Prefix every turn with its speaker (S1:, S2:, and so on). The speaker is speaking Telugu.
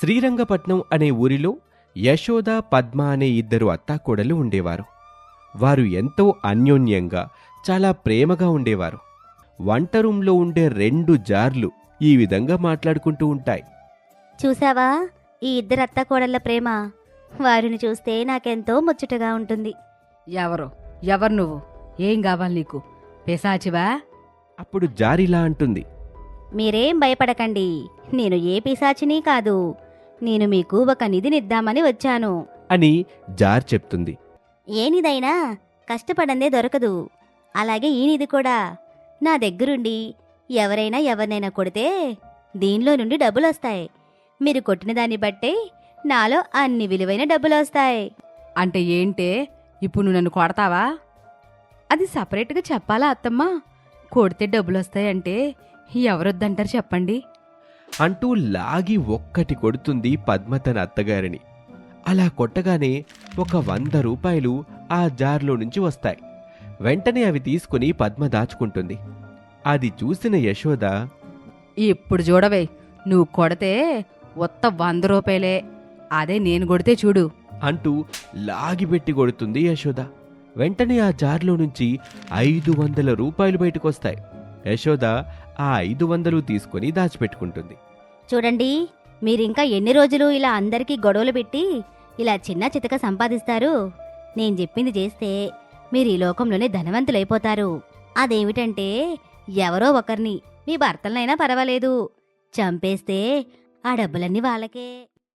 S1: శ్రీరంగపట్నం అనే ఊరిలో యశోద, పద్మ అనే ఇద్దరు అత్తాకోడలు ఉండేవారు. వారు ఎంతో అన్యోన్యంగా, చాలా ప్రేమగా ఉండేవారు. వంట రూంలో ఉండే 2 జార్లు ఈ విధంగా మాట్లాడుకుంటూ ఉంటాయి.
S2: చూసావా ఈ ఇద్దరు అత్తకోడళ్ళ ప్రేమ? వారిని చూస్తే నాకెంతో ముచ్చటగా ఉంటుంది.
S3: ఎవరు నువ్వు? ఏం కావాలి నీకు? పిశాచివా?
S1: అప్పుడు జారిలా అంటుంది.
S2: మీరేం భయపడకండి, నేను ఏ పిశాచిని కాదు. నేను మీకు ఒక నిధినిద్దామని వచ్చాను.
S1: అని జార్ చెప్తుంది.
S2: ఏ నిధైనా కష్టపడందే దొరకదు. అలాగే ఈ నిధి కూడా. నా దగ్గరుండి ఎవరినైనా కొడితే దీనిలో నుండి డబ్బులొస్తాయి. మీరు కొట్టిన దాన్ని బట్టే నాలో అన్ని విలువైన డబ్బులొస్తాయి.
S3: అంటే ఏంటే? ఇప్పుడు నువ్వు నన్ను కొడతావా? అది సపరేట్గా చెప్పాలా అత్తమ్మా? కొడితే డబ్బులొస్తాయంటే ఎవరొద్దంటారు చెప్పండి?
S1: అంటూ లాగి ఒక్కటి కొడుతుంది పద్మ తన అత్తగారిని. అలా కొట్టగానే ఒక 100 రూపాయలు ఆ జార్లో నుంచి వస్తాయి. వెంటనే అవి తీసుకుని పద్మ దాచుకుంటుంది. అది చూసిన యశోద,
S3: ఇప్పుడు చూడవే, నువ్వు కొడితే ఒత్త 100 రూపాయలే. అదే నేను కొడితే చూడు
S1: అంటూ లాగిపెట్టి కొడుతుంది యశోద. వెంటనే ఆ జార్లో నుంచి 500 రూపాయలు బయటకొస్తాయి. యశోద ఆ 500 తీసుకుని దాచిపెట్టుకుంటుంది.
S2: చూడండి, మీరింకా ఎన్ని రోజులు ఇలా అందరికీ గొడవలు పెట్టి ఇలా చిన్న చితక సంపాదిస్తారు? నేను చెప్పింది చేస్తే మీరు ఈ లోకంలోనే ధనవంతులైపోతారు. అదేమిటంటే, ఎవరో ఒకరిని, మీ భర్తలనైనా పర్వాలేదు, చంపేస్తే ఆ డబ్బులన్నీ వాళ్ళకే.